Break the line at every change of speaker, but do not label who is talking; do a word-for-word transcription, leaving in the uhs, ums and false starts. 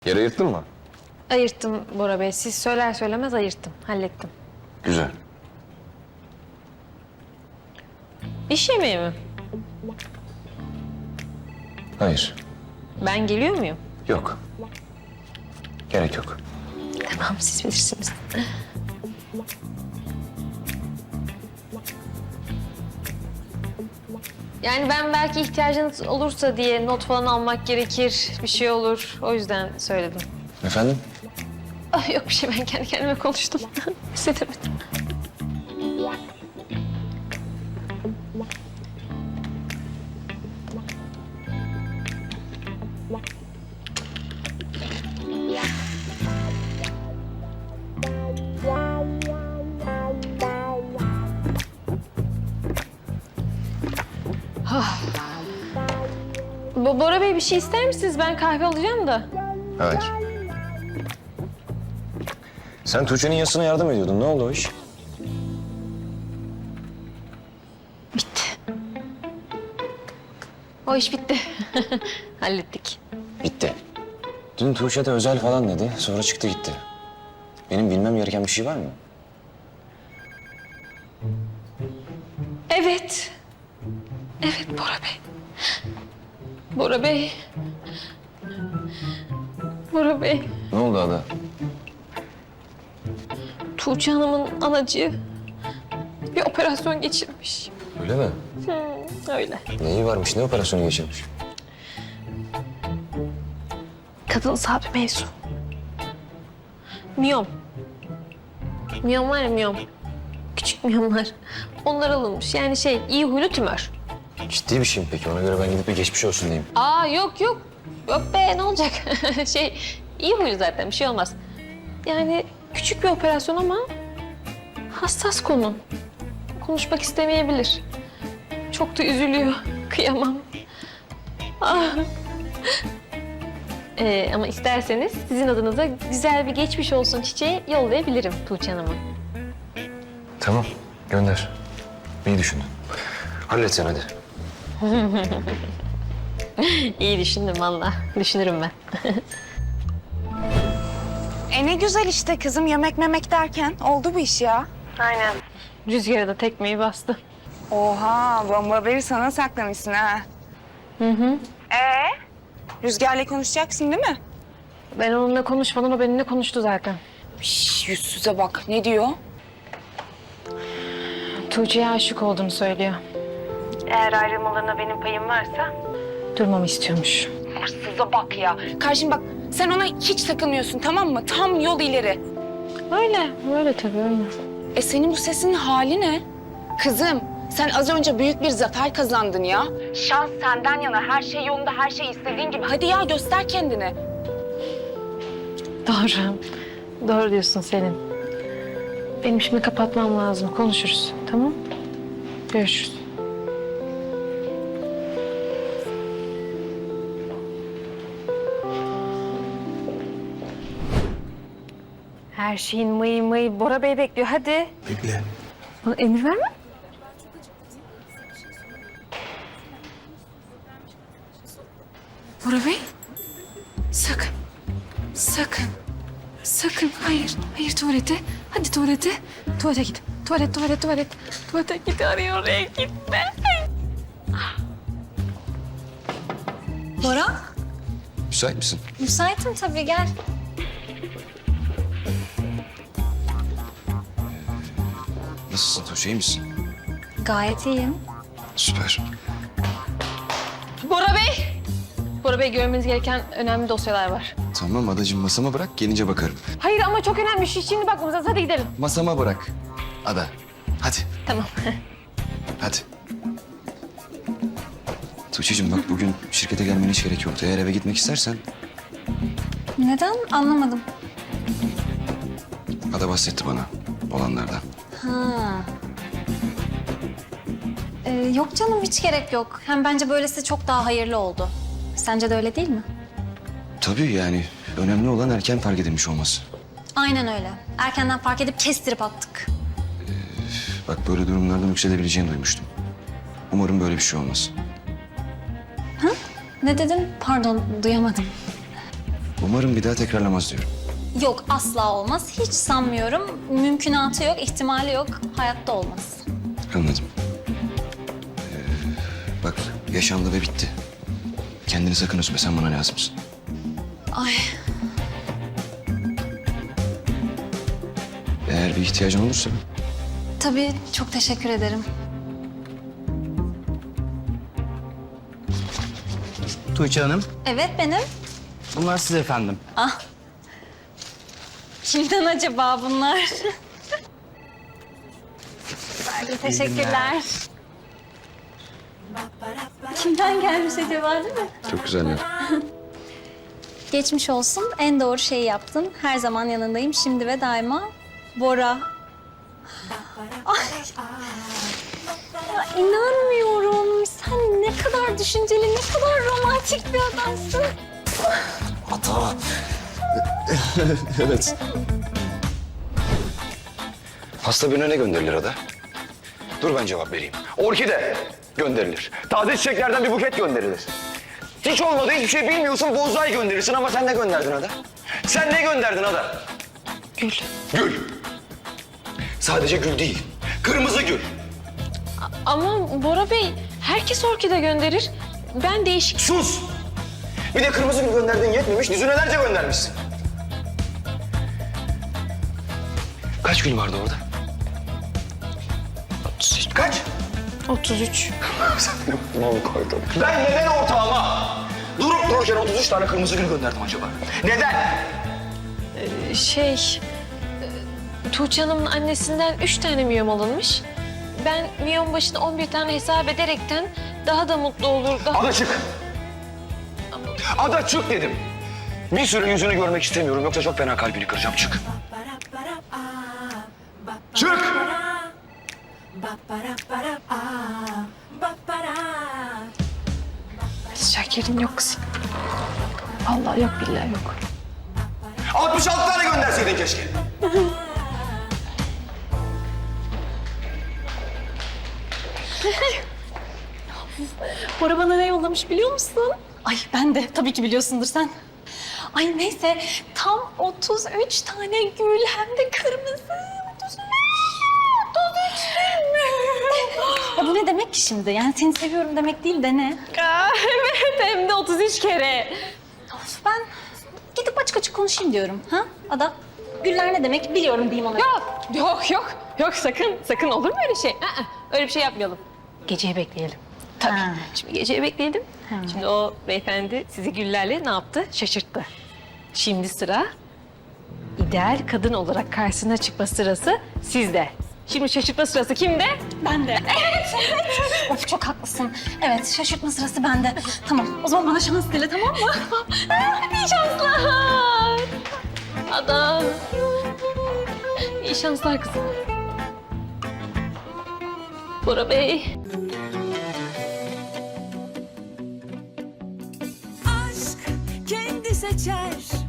Yer ayırttın mı?
Ayırttım Bora Bey. Siz söyler söylemez ayırttım. Hallettim.
Güzel.
İş yemeği mi?
Hayır.
Ben geliyor muyum?
Yok. Gerek yok.
Tamam, siz bilirsiniz. Yani ben belki ihtiyacınız olursa diye not falan almak gerekir, bir şey olur. O yüzden söyledim.
Efendim?
Ah, yok bir şey, ben kendi kendime konuştum. Hissedemedim. Bo- Bora Bey bir şey ister misiniz? Ben kahve alacağım da.
Hayır. Sen Tuğçe'nin yasına yardım ediyordun. Ne oldu o iş?
Bitti. O iş bitti. Hallettik.
Bitti. Dün Tuğçe de özel falan dedi. Sonra çıktı gitti. Benim bilmem gereken bir şey var mı?
Evet. Evet Bora Bey. Bora Bey. Bora Bey.
Ne oldu Ada?
Tuğçe Hanım'ın anacığı bir operasyon geçirmiş.
Öyle mi?
Hmm, öyle.
Neyi varmış? Ne operasyonu geçirmiş?
Kadınsal bir mevzu. Miyom. Miyom var ya, miyom. Küçük miyomlar. Onlar alınmış. Yani şey, iyi huylu tümör.
Ciddi bir şey mi peki? Ona göre ben gidip bir geçmiş olsun diyeyim.
Aa yok yok. Yok be, ne olacak? şey, iyi huylu zaten, bir şey olmaz. Yani küçük bir operasyon ama hassas konu. Konuşmak istemeyebilir. Çok da üzülüyor. Kıyamam. Ah. Ee, ama isterseniz sizin adınıza güzel bir geçmiş olsun çiçeği yollayabilirim Tuğçe Hanım'a.
Tamam. Gönder. İyi düşündün. Hallet sen hadi.
İyi düşündüm valla. Düşünürüm ben.
E ne güzel işte kızım, yemek memek derken oldu bu iş ya.
Aynen. Rüzgara da tekmeyi bastı.
Oha, bomba haberi sana saklamışsın ha.
Hı hı.
Ee? Rüzgar'la konuşacaksın değil mi?
Ben onunla konuşmadan o benimle konuştu zaten.
Şş, yüzsüze bak, ne diyor?
Tuğçe'ye aşık olduğunu söylüyor. Eğer ayrılmalarına benim payım varsa durmamı istiyormuş.
Hırsıza bak ya. Karşım bak, sen ona hiç takılmıyorsun, tamam mı? Tam yol ileri.
Öyle, öyle tabii öyle.
E senin bu sesinin hali ne? Kızım, sen az önce büyük bir zafer kazandın ya. Şans senden yana, her şey yolunda, her şey istediğin gibi. Hadi ya, göster kendini.
Doğru. Doğru diyorsun Selin. Benim şimdi kapatmam lazım. Konuşuruz. Tamam? Görüşürüz. Her şeyin mıyı mıyı Bora Bey bekliyor. Hadi.
Bekle.
Bana emir verme. Bora Bey. Sakın. Sakın. Sakın. Hayır. Hayır tuvalete. Hadi tuvalete. Tuvalete git. Tuvalet, tuvalet, tuvalet. Tuvalete git. Arıyor oraya gitme.
Bora,
Müsait misin?
müsaitim tabii, gel.
Nasılsın Tuğçe? İyi misin?
Gayet iyiyim.
Süper.
Bora Bey. Bora Bey, görmeniz gereken önemli dosyalar var.
Tamam Adacığım, masama bırak, gelince bakarım.
Hayır ama çok önemli. Şu şimdi bakmamız lazım. Hadi gidelim.
Masama bırak. Ada, hadi.
Tamam.
Hadi. Tuğçe'cim bak, bugün şirkete gelmene hiç gerek yoktu. Eğer eve gitmek istersen
Neden? Anlamadım.
Ada bahsetti bana olanlardan.
Ha. Ee, yok canım, hiç gerek yok. Hem bence böylesi çok daha hayırlı oldu. Sence de öyle değil mi?
Tabii yani önemli olan erken fark edilmiş olması.
Aynen öyle. Erkenden fark edip kestirip attık.
Bak, böyle durumlardan yükselebileceğini duymuştum. Umarım böyle bir şey olmaz.
Ne dedin? Pardon, duyamadım.
Umarım bir daha tekrarlamaz diyorum.
Yok asla olmaz. Hiç sanmıyorum. Mümkünatı yok, ihtimali yok. Hayatta olmaz.
Anladım. Ee, bak yaşandı ve bitti. Kendini sakın üzme, sen bana lazımsın.
Ay
Eğer bir ihtiyacın olursa
tabii çok teşekkür ederim.
Tuğçe Hanım,
Evet benim.
bunlar siz efendim.
Ah. Kimden acaba bunlar? Teşekkürler. Kimden gelmiş acaba değil mi?
çok güzeller.
Geçmiş olsun. En doğru şeyi yaptın. Her zaman yanındayım. Şimdi ve daima. Bora. Ay. Ya inanmıyorum. Sen ne kadar düşünceli, ne kadar romantik bir adamsın.
Ata. Evet. Hasta birine ne gönderilir Ada? Dur ben cevap vereyim.
Orkide gönderilir. Taze çiçeklerden bir buket gönderilir. Hiç olmadı, hiçbir şey bilmiyorsun, bonsai gönderirsin ama sen ne gönderdin Ada? Sen ne gönderdin Ada?
Gül.
Gül. Sadece gül değil, kırmızı gül.
Ama Bora Bey, herkes orkide gönderir. Ben değişik...
Sus! Bir de kırmızı gül gönderdiğin yetmemiş, düzinelerce göndermişsin.
Kaç gül vardı orada?
Kaç?
otuz üç.
Mal koydum. Ben neden ortağıma durup dururken otuz üç tane kırmızı gül gönderdim acaba? Neden?
Şey... e, Tuğçe Hanım'ın annesinden üç tane miyom alınmış. Ben miyom başına on bir tane hesap ederekten daha da mutlu olur, daha...
Ada çık. Ada çık dedim. Bir süre yüzünü görmek istemiyorum yoksa çok fena kalbini kıracağım. Çık. Çık.
Şekerin yok kızım. Allah yok, billahi yok.
altmış altı tane gönderseydin keşke.
Bora bana ne yollamış biliyor musun? Ay ben de tabii ki biliyorsundur sen. Ay neyse tam otuz üç tane gül hem de kırmızı. otuz üç. otuz üç değil mi? Ya bu ne demek ki şimdi? Yani seni seviyorum demek değil de ne?
Aa, evet, hem de otuz üç kere.
Of, ben gidip açık açık konuşayım diyorum. Ha Ada? Güller ne demek biliyorum diyeyim ona.
Yok, yok, yok. Yok sakın, sakın olur mu öyle şey? Aa, öyle bir şey yapmayalım. Geceyi bekleyelim. Tabii.
Ha.
Şimdi geceyi bekleyelim. Şimdi o beyefendi sizi güllerle ne yaptı? Şaşırttı. Şimdi sıra ideal kadın olarak karşısına çıkma sırası sizde. Şimdi şaşırtma sırası kimde?
Ben de. Evet, evet. Of çok haklısın. Evet, şaşırtma sırası bende. Tamam, o zaman bana şans dile tamam mı?
Hadi iyi şanslar. Ada. İyi şanslar kızım. Bora Bey.
aşk kendi seçer